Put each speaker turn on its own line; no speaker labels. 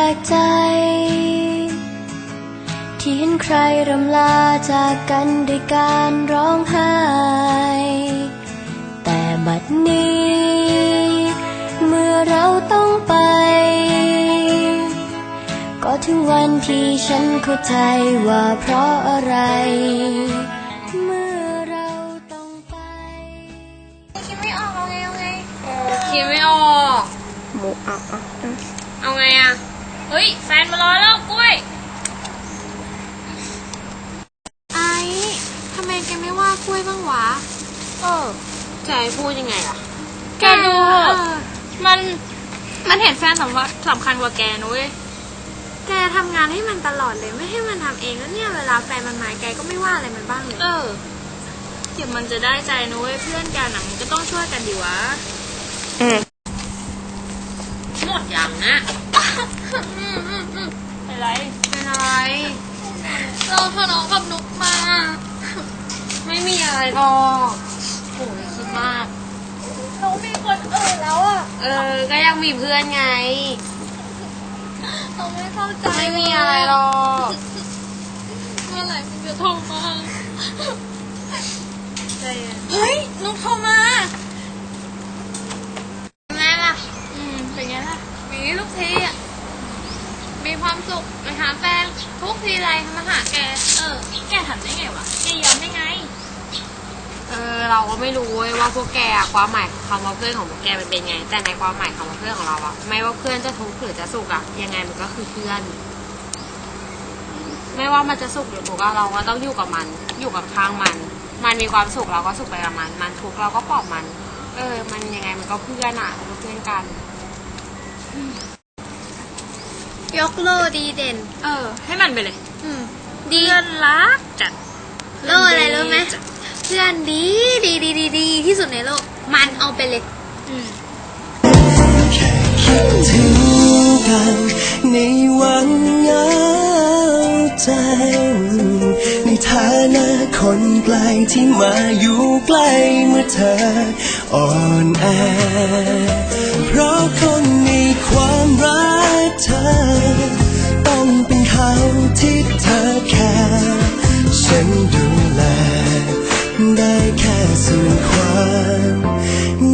กใจที่เห็นใครรำลาจากกันด้วยการร้องไห้แต่บัดนี้เมื่อเราต้องไปก็ถึงวันที่ฉันเข้าใจว่าเพราะอะไรเมื่อเราต้องไปคิดไม่ออกเอาไง
คิดไม่ออก
หมู
เอาไงอะเฮ้ยแฟนมารอแล้วกล้วย
ไอ้ทำไมแกไม่ว่ากล้วยบ้างวะ
จะให้พูดยังไงล่ะ
แกดู
มันเห็นแฟนสำคัญกว่าแกนุ้ย
แกทำงานให้มันตลอดเลยไม่ให้มันทำเองแล้วเนี่ยเวลาแฟนมันมาแกก็ไม่ว่าอะไรมันบ้างเลย
เดี๋ยวมันจะได้ใจนุ้ยเพื่อนกันอ่ะมันก็ต้องช่วยกันดีวะหมดอย่างนะ
เป็นอะไร
เราทะเลาะกับนุกมาไม่มีอะไรหรอกโหยคิดมาก
นุกมีคนอื่นแล้วอ่ะ
ก็ยังมีเพื่อนไง
เราไม่เข้าใจ
ไม่มีอะไรหรอก
เมื่อไหร่มันจะโทรมา
เฮ้ยนุกโทรมาแม่ล่ะ
เป็นไงล่ะมีทุกทีอ่ะมีความสุขไปหาแฟนทุกทีไรมาหาแก
แกทำได้ไงวะแกยอมได้ไงเราก็ไม่รู้ว่าพวกแกความหมายคำว่าเพื่อนของพวกแกมันเป็นไงแต่ในความหมายคำว่าเพื่อนของเราอะไม่ว่าเพื่อนจะทุกข์หรือจะสุขอะยังไงมันก็คือเพื่อนไม่ว่ามันจะสุขหรือทุกข์เราก็ต้องอยู่กับมันอยู่กับข้างมันมีความสุขเราก็สุขไปกับมันทุกข์เราก็ปลอบมันมันยังไงมันก็เพื่อนอะเพื่อนกัน
ยกโลดีเด่น
ให้มันไปเลย
ดี
เพื่อนรักจัด
โลอะไรรู้ไหมเพื่อนดีที่สุดในโลกมันเอาไปเลย
ถึงกันในวันเหงาใจในฐานะคนไกลที่มาอยู่ใกล้เมื่อเธออ่อนแอเพราะคนมีความรักเธอต้องเป็นเขาที่เธอแค่ฉันดูแลได้แค่ส่วนความ